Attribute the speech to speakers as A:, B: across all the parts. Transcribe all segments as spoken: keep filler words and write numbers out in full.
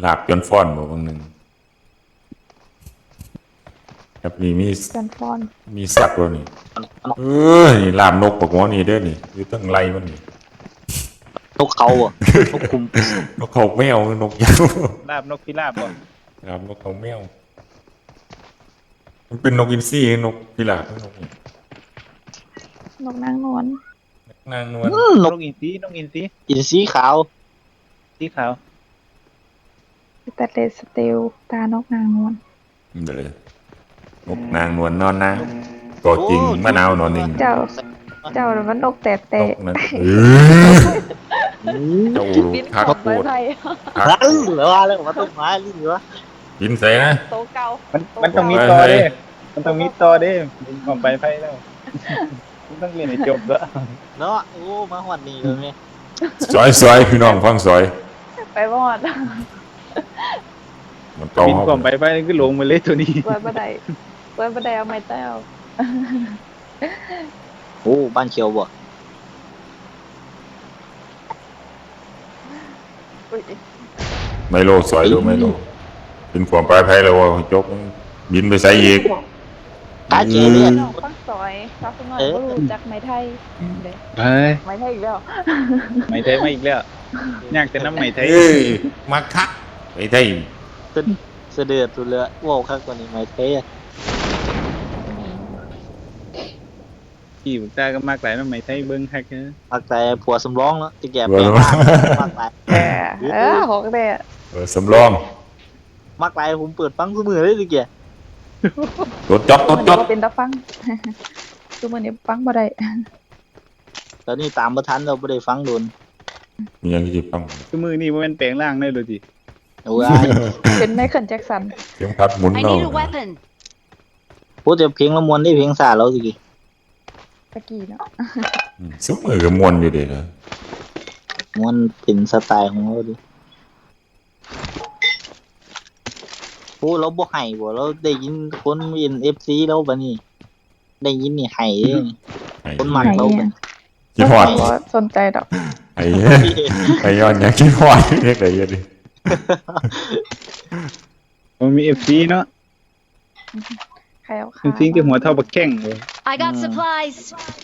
A: ลาบจนฟ้อนบ่บางหนึ่งครับนี่มี
B: กันฟอน
A: มีสักตัวนี่เออนี่ลาบนกปกหัวนี่เด้อนี่อยู่ตั้งไรมันนี่
C: นกเขาอ่ะนกคุม
A: นกเขาแมวนกยาว
D: ลาบนกพิราบบ่
A: ลาบนกเขาแมวมันเป็นนกอินทรีนกพิราบนกนี่
B: นกนางนวล
A: นางนวล
C: อืมน
D: น
C: ก
D: กอินทรีนกอินทรี
C: อินทรีขาว
D: สีขาว
B: แต่เลสเตลตานกนางนวล
A: เด้อนกนางนวลนอนนะตัวจริงมะนาวนอนนิ่ง
B: เจ้า เจ้ามันนกแต่แต่
A: นกนั้นเออเจ้า
B: บิน
A: คัก
B: ของ
A: โค
B: ไม้
A: ตร
B: ไผ่
A: คัก
C: นั่นเหรอว่าแล้วว่าต้นไม้หรือวะ
A: กินใส่นะ
B: โตเก่า
D: มันมันต้องมีต่อเด้มันต้องมีต่อเด้มันของไปไฟแล้วมันต้องเรียนให้จบแล้ว
C: เนาะโอ้มาหวัดนี้เลยไหม
A: ซอยซอยพี่น้องฟังซอย
B: ไปบอด
A: มันเก่า
D: บิน
A: เขา
D: ของไปไฟก็ลงมาเลยตัวนี้
B: เปิดบันไดเปิดบันไดเอาไม้เต้า
C: โอ้บ้านเขียวบ่
B: อุ๊ย
A: ไมโลซอยดูไมโลเป็นความปลายไผ่แล้วว่าจกบินไปใส่อีก
C: กาเจเนี่ย
B: น้องฟังซอยฟังสมัยบ่รู้จักไม้ไทยเด้
D: เฮ้ย
B: ไม้ไทยอีกแล้ว
D: ไม่ไทยมาอีกแล้วยากแต่น้ำไม่ไทย
A: เอ้ยมาคักไปได้
C: เสดเสดือดสุดเลยว้าวข้างกว่านี้ไม่เท่
D: พี่บุตาก็มากหลายน้ำไม่ไทยเบิ้งคักนะ
C: มากแต่ผัวสำรองแล้วจะแก่แปลงมากมากหลาย
B: แกเออหกเด้
A: เออสำรอง
C: มากหลายผมเปิดฟังเสมอเลยสิแก
A: รถจอดรถจอด
B: มันเป็นตาฟัง คือมันนี่ฟังบ่ได้
C: ตอนนี้ตามประทันเราไม่ได้ฟังโดน
A: มีอย่างที่ฟัง
D: คือมือนี่มันแปลงร่างได้เลยดิ
C: โอ้ย
B: เป็นไมเคิลแจ็คสัน
A: เสียงพัดหมุน
E: I
A: เนาะ
E: need a weapon.
C: พูดแต่เพลงละมวนได้เพลงสาเราสิ
B: ตะกี้เนาะ
A: อืมซุมมือก็มวนอยู่เด้อ
C: มวนเป็นสไตล์ของเราดิโอ้เราบ่ให้บ่เราได้ยินคนเอ็นเอฟซีเราบัดนี้ ได้ยินนี่ให้เด้
A: ไอ้
C: คนหมักเราบัด
A: คิดฮอด
B: บ่สนใจดอก
A: ไอ้ไอ้ย้อนอยากคิดฮอดเรียกได้ยังดิ
D: มันมีเอฟซีเนาะ
B: ใครเอา
D: จ
B: ขา
D: ริงๆที่หัวเท่าบักแข้งเลย
E: I got supplies.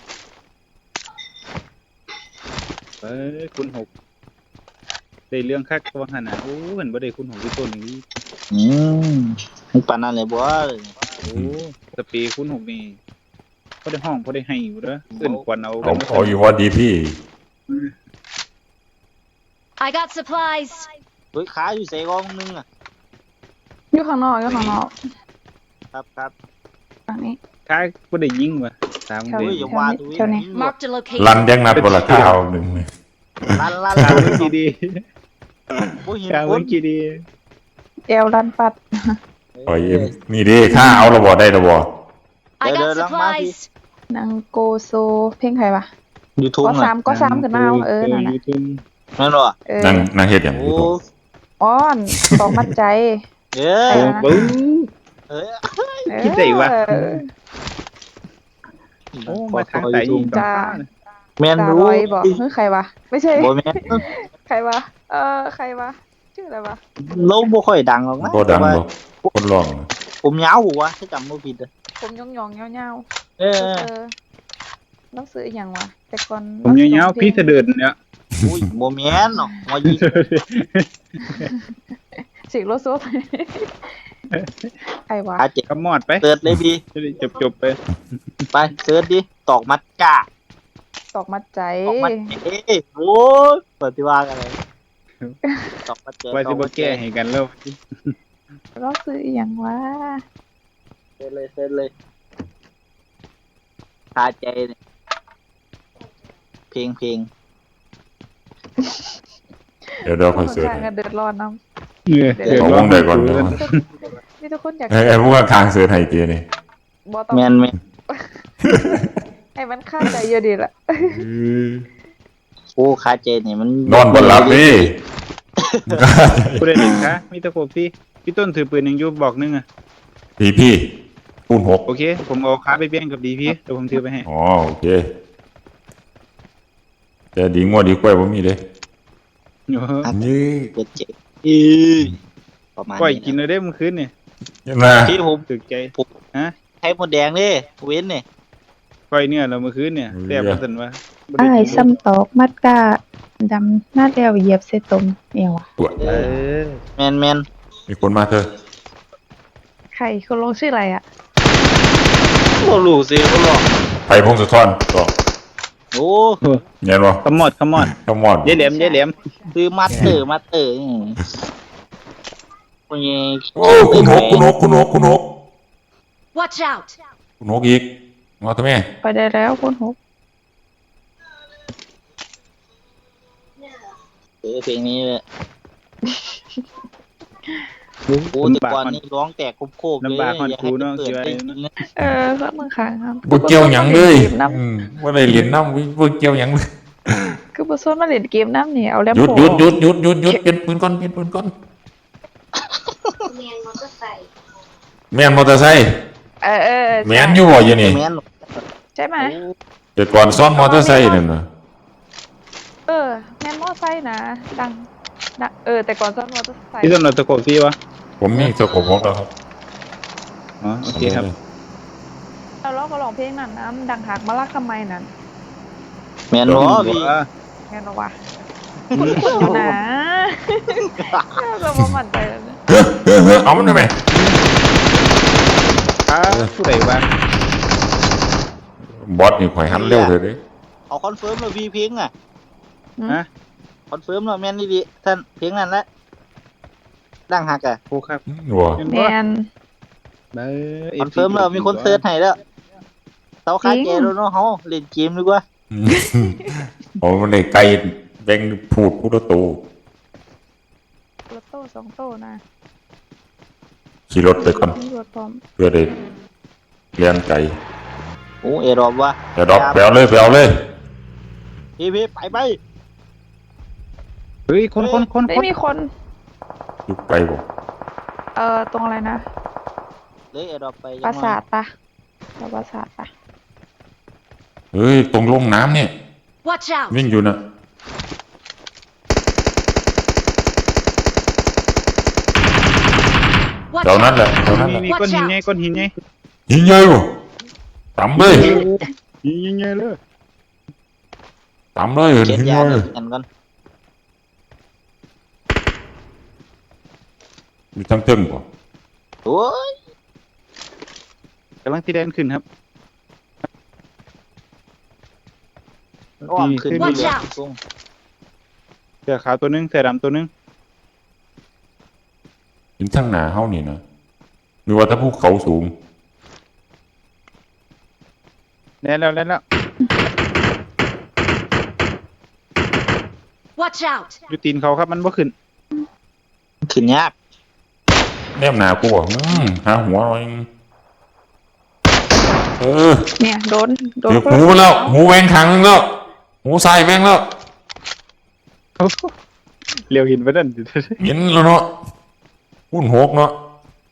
D: เอ้ยคุณหกได้เรื่องคักตัวขนาดโอ้เห็นบ่ได้คุณหกที่ต้นนี้
C: อืมมันปานนั้นเลยบ่
D: โอ้สปีคุณหกนี่พอได้ห้องพอได้ให้อยู่เด้อเอื่นควันเอา
A: เอาเอาอยู่ว่าดีพี่
E: I got supplies.
C: เฮ้ยขาอยู่ใส่กองนึงอ่ะ
B: อยู่ข้างนอกอยู่ข้างนอก
C: ครับครับ
B: ฝั่งนี้
D: ค้าบ่ได้ยิงว่ะตาม
B: แถว
D: เด้
C: เฮ้ยอย่าว่าตัวเอง
B: เท่านี้
E: Marked a
A: รัน
E: location.
A: ยังนัดบ่ละข้าวหนึง
C: ลั่นลั่น
D: ข้า
C: ลั่
D: วน เมื่อกี้ดี
C: บ่เห็น
D: ข้าว
C: ค
D: เมื่
C: น
D: อกี้ดี
B: เอวรันปัด
A: ปล่อยเอ็มนี่ดิข้าเอาระบ่ได้ระบ่
E: I got supplies.
B: นางโกโซเพลงใครวะ
C: ยูทูบ
B: ก็
C: น่ะ
B: สามก็สามขึ้นมาเอาเออนั่นน่ะ
D: ยูทูบ
C: นั่นเหรอ
B: เออ
A: นั่งนั่งเฮ็ดหยังอ
C: โอ้
A: ยู่ตรง
B: อ้อนตอกมัดใจ
C: เอ้
D: โอ้
C: ย
D: บึ้ง
C: เอ้ย
B: เออ
D: คิดได้วะ
B: เออ
D: โอ้มาทางไหนอีก
B: จ้า
C: แม่น
B: จ่า
C: รู้
B: ลอยบอกเฮ้ยใครวะไม่ใช่
C: บ่แม่น
B: ใครวะเออใครวะชื่ออะไรวะ
C: เราบ่ค่อยดังหรอกนะ
A: บ่ดัง
C: แต่ว่า
A: บ่คนร้อง
C: ผมยาวหัวถ้าจำบ่ผิดอะ
B: ผมยองยองเงาเงา
C: เอ
B: ๆเอ
C: อ
B: อน้องซื้ออีหยังวะแต่ก่อน
D: ผมยาวๆพี่เสด็จเนี่ย
C: อุ้ยบ่แม่นหรอกหัวยิง
B: สิโลโซใครวะ
C: ขาเจ็บ
D: ขมอดไป
C: เสิร์ชเลยพี่
D: จะได้จบๆไป
C: ไปเสิร์ชดิตอกมัดจ้า
B: ตอกมัดใจ
C: ตอกมัดเอ้ยโอ้ยปฏิวัติอะไรตอกมัดเจ
D: ว่าสิบ่แก้ให้กันแล้ว
B: น้องซื้ออีหยังวะ
C: เสิร์ชเลยเสิร์ชเลยขาใจเนี่ยเพลงเพลง
A: เดี๋ยวเดี๋ยว
B: ค
A: ค่อย
B: น
A: เสิร์ช
B: ข้างกันเดือดร้อนน้
D: เออ
A: เอาวงใดก่อนเดี๋ยว
B: ำมีทุกคนอยาก
A: ไอ้ไอ้พวกข้างเสิร์ชให้เจนี่
B: บอต้อง
C: แมนแมน
B: ให้มันฆ่าใจเยอะดีละ
C: โอ้ขาใจเนี่ยมัน
A: นอนบ่หลับนี่
D: ผู้ใดเห็นคะมีตะโขบพี่พี่ต้นถือปืนยังอยู่บอกนึงอ่ะ
A: พี่พี่คูณหก
D: โอเค ผมเอาค้าไปเบี้ยงกับดีพี่เดี๋ยวผมถือไปให้
A: อ๋อโอเคแต่ดีงัวดีกล้วยบ่มีเด้
D: โอ้โห
A: นี่
C: เปิดเจ็บอีประมาณ
D: ก้อย
C: นี้
D: กินเลยได้เมื่อคืนนี่
A: นะ
C: ที่ผม
D: ถึกใจฮะ
C: ใช้หมดแดงนี่เว้นนี่
D: ก้อยเนี่ยเราเมื่อคืนเนี่ยแซ่บบ่ซั่นว่าบ่ได้
B: อ้าย
D: กิน
B: ซ้ำตอกมัดกาดำหน้าแล้วเหยียบใส่ตมเอวอ่ะ
A: ปวด
C: เอ
D: เอ
C: อ
D: อ
C: แมนแมน
A: มีคนมาเธอ
B: ใครคนลงชื่ออะไรอ่ะ
C: บ่รู้สิบ่หรอก
A: ไผ่พงศธรก็
C: โอ้
A: เงี้ยบ่
D: ขมอดขมอด
A: ขมอน
D: ยายแหลมยายแหลม
C: คือมัดเตอร์มัดเตอร์นี่โอ้ย
A: โอ้คุณหกคุณหกคุณหกคุณหก
E: Watch out!
A: คุณหกอีกมาทำไม
B: ไปได้แล้วคนหก
C: เออเพลงนี้เลยโอ้แต่ก่อนนี่ร้องแตกโคบๆเลย
D: ลำบากฮอด
C: อยาก
D: กู
C: ให้
D: เนาะ
C: เปิ
D: สิ
C: ด
D: ว่า
C: เพลงนี้
B: เออก็มือขางครับ
A: บ่เกี่ยวหยังเลย
B: น้
A: อืมบ่ได้เรียนน้ำบ่เกี่ยวหยังเลย
B: ำคือบ่ส่วนมาเล่นเกมน้ำนี่เอาแล้ว
A: หยุดหยุดหยุดหยุดหยุดหยุดเป็นปืนก่อนเป็นปืนก่อนแม่นมอเตอร์ไซค์
B: เออเออ
A: แม่นอยู่บ่อยู่นี่
C: แม่น
B: ใช่ไหม
A: แต่ก่อนซ้อนมอเตอร์ไซค์นั่นน่ะ
B: เออแม่นมอไซค์นะดังดังเออแต่ก่อนซ้อนมอเตอร์ไซค์
D: พี่ต้นเราตะโกนพี่วะ
A: ผมมีสกปรกแล้วครับ
D: อ๋อโอเคครับ
B: เราร้องก็ร้องเพลงนั้นน้ำดังหักมาลักทำไมนั่น
C: แม่นบ่พี่
D: ว่า
B: แม่นบ่วะคุณอยู่นะเราบ่มั่นใจแล้วนะ
A: เฮ้ยเฮ้ยเฮ้ยเอามันได้ไหม
D: อ้าผู้ใดวะ
A: บอสนี่ข่อยหันเร็วเถอะเด้
C: เอาคอนเฟิร์มแล้วพี่เพลงอ่ะ
D: ฮะ
C: คอนเฟิร์มแล้วแม่นดีๆท่านเพลงนั้นแหละดังหักอ่ะ
D: โอ้ครับ
A: วัว
D: เป็น
B: แม
D: บ่
B: น
D: เบ้อ
C: คอนเฟิร์มแล้วมีคนเซิร์ชให้แล้วเตาคาแกแล้วเนาะเฮาเล่นเกมดีกว่า
A: โอ้มันได้ไกลแบ่งพูดพูดตัว
B: รถโต้สองโต้นะ
A: ขี่รถไปก่อน
B: ตำรวจพร้อม
A: เพื่อได้เรียนไกล
C: โอ้เอรอบว่ะ
A: แต่ดอกแปลวเลยแปลวเลย
C: พี่พี่ไปไป
D: เฮ้ยคนคนคน
B: ไม่
D: คน
B: มีคน
A: อยู่ไกลบ่
B: เอ่อตรงอะไรนะ
C: เลยเอรอบไป
B: ปราสาทปะเราปราสาทปะ
A: เฮ้ยตรงลงน้ำเนี่ย
E: Watch out!
A: วิ่งอยู่น่ะ
E: Watch
A: เจ้านั้น
E: out!
A: แหละเจ้านั้นแห
D: นี่
A: ละ
D: นี่ก้อนหินไงก้อนหินไง
A: ยิงใหญ่บ่ต่ำเลย
D: ยิงยิงไงเลย
A: ต่ำเลยเห็น
C: เก็บ
A: ยิง
C: ยา
A: เลย
C: กันก่อน
A: มีทั้งตึ้งบ่
C: โอ้ย
D: กำลังที่แดนขึ้นครับ
C: อ้อมขึ้น
D: ขึ้น
C: ไป
E: Watch
C: เลย
E: out
C: ตรง
D: เสื้อขาวตัวหนึงเสื้อดำตัวหนึง
A: เห็นทั้งหน้าเฮานี่นะมีว่าถ้าภูเขาสูง
D: แล้วแล้วแล้วแล้ว
E: Watch out!
D: อยู่ตีนเขาครับมันบ่ขึ้น
C: ขึ้นยาก
A: แนมหน้ากูบ่อืมหาหัวเอาเองเออ
B: เนี่ยโดนโดน
A: เดี๋ยวหูมันแล้วหูแหวงทางนึงแล้วหูซ้ายแหวงแล้ว
D: เลี้ยวหินไปนั่น
A: เห็นแล้วเนาะหุ่นหกเนาะ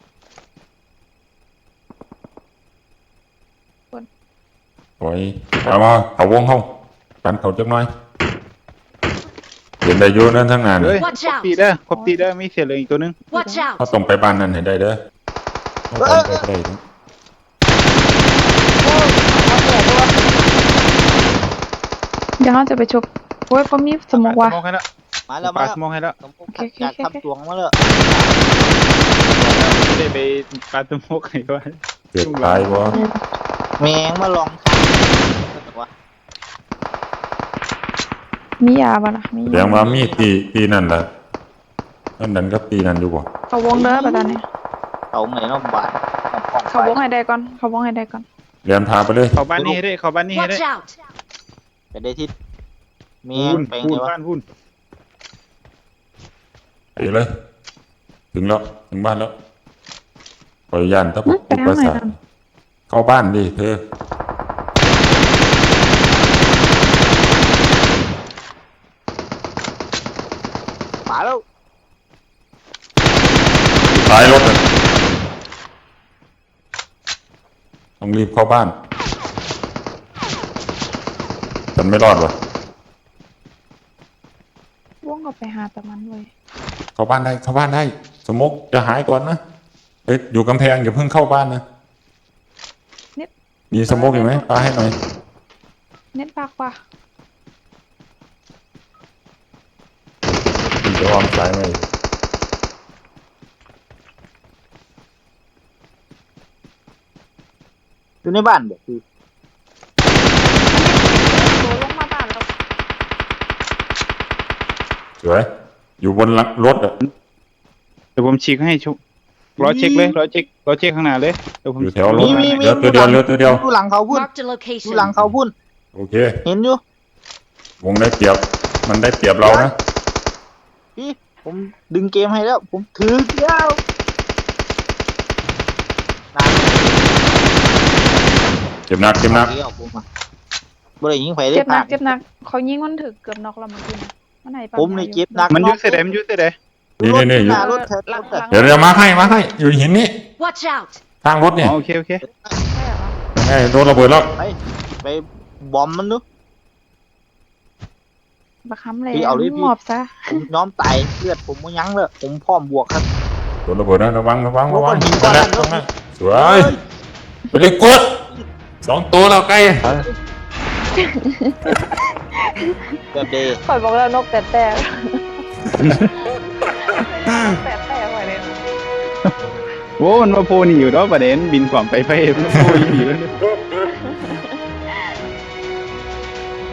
A: โอ้ยมามาเขาวงเขากันเขาจักหน่อยเห็นได้อยู่นั่นทั้งงาน
D: เฮ้ย
E: Watch
D: ครบ
E: out
D: ตีเด้อครบตีเด้อมีเสียเหลืออีกตัวหนึง
E: Watch
A: เขา
E: out!
A: ต้องไปบ้านนั้นให้ได้เด้อต้องไปไปได้เด้อ
B: เดี๋ยวเราจะไปชกโอ้ยเขามีสมองว่ะ
D: สมองให้แล้ว
C: มาแล้ว
D: ปา
C: มา
D: สมองให้แล้ว
C: สมมุติอยากทำตวงมาเลย
D: ไม่ได้ไปปาสมองให้ว่า
A: เกิดตายบ่
C: แมงมาลองทำวะ
B: มียาปะล่ะมี
A: แสดงว่ามีตีตีนั่นล่ะนั่นนั่นกับตีนั่นอยู่บ่
B: เขาวงเด้อปะตอนนี้
C: เอาไหนน้องบาท
B: เขาวงให้ได้ก่อนเขาวงให้ได้ก่อน
A: เรียนพาไปเลย
D: เข้าบ้านนี้ให้ได้เข้าบ้านนี้ให้ได้
E: Watch out!
C: ไปได้ทิศแม
D: พู
C: ง
D: น
C: ไป
D: พู
C: ไง
D: น
C: วะ
D: บ้านพูน
A: ไปเลย ถึงแล้วถึงบ้านแล้วปล่อยย่านถ้าผมอุปสรรคเข้าบ้านดิเธอ
C: มาแล้ว
A: ท้ายรถน่ะต้องรีบเข้าบ้านฉันไม่รอดวะ
B: วงก็ไปหาแต่มันเว้ย
A: เข้าบ้านได้เข้าบ้านได้สมกจะหายก่อนนะเอ้ยอยู่กำแพงอย่าเพิ่งเข้าบ้านนะมีสมกอยู่ไหมปาให้หน่อย
B: เน็ตปากว่ะ
A: พี่จะวางสายไหม
C: อยู่ในบ้านบ่คือ
B: โดนลงมาบ้านแล้ว
A: สวยอยู่บนหลังรถอ่ะ
D: เดี๋ยวผมฉีกให้ชุรอเช็คเลยรอเช็ครอเช็คข้างหน้าเลยเดี๋ยวผม
A: อยู่แถวรถ
C: มีมีมี
A: เหลือตัวเดียวเหลือตัวเดียว
C: อยู่หลังเขาพุ่น
E: Marked a
C: อยู่หลัง
E: location.
C: เขาพุ่น
A: โอเค
C: เห็นอยู่
A: วงได้เปรียบมันได้เปรียบเรานะ
C: พี่ผมดึงเกมให้แล้ว ผมถือแล้วนาน
A: เจ็บหนักเจ็บหนัก
C: เกี่ยวผมอ่ะบ่ได้ยิงไผได้
B: เจ็บหนั
C: พาก
B: เจ็บหนักเขายิงมันถึกเกือบน็อกแล้วเมื่อกี้นะมันไหน
C: ผมนี่เจ็บหนัก
D: มันอยุ่เสยดมันอยุ่เสยด
A: นี่นี่นี่อยู่
C: หน้ารถแทนรถอะ
A: เดี๋ยวเดี๋ยวมาให้มาให้อยู่หินนี่
E: Watch out!
A: ทางรถ
D: อ๋
A: เนี่ย
D: อโอเคโอเค
B: ใช่เหรอ
A: ไงโดนระเบิดแล้ว
C: ไปไปบอมมันดู
B: บักคำเลย
C: พี่เอาดิพี่
B: หมอบซะ
C: ผมยอมตายเลือดผมบ่ยั้งเลยผมพร้อมบวกครับ
A: โดนระเบิดนะระวังระวังระวัง
C: โอ้โหหินก้อน
A: นั่
C: นั้น น
A: แหละตรงนั้นสวยไปเลยกดสองตัวแล้วใกล้
C: แบบเดย์
B: ข่อยบอกแล้วนกแต่แต่แต่แต่ข่อยเลย
D: โว้มันมาโพนี่อยู่เนาะประเด็นบินความไปไปมันมาโพอยู่นี่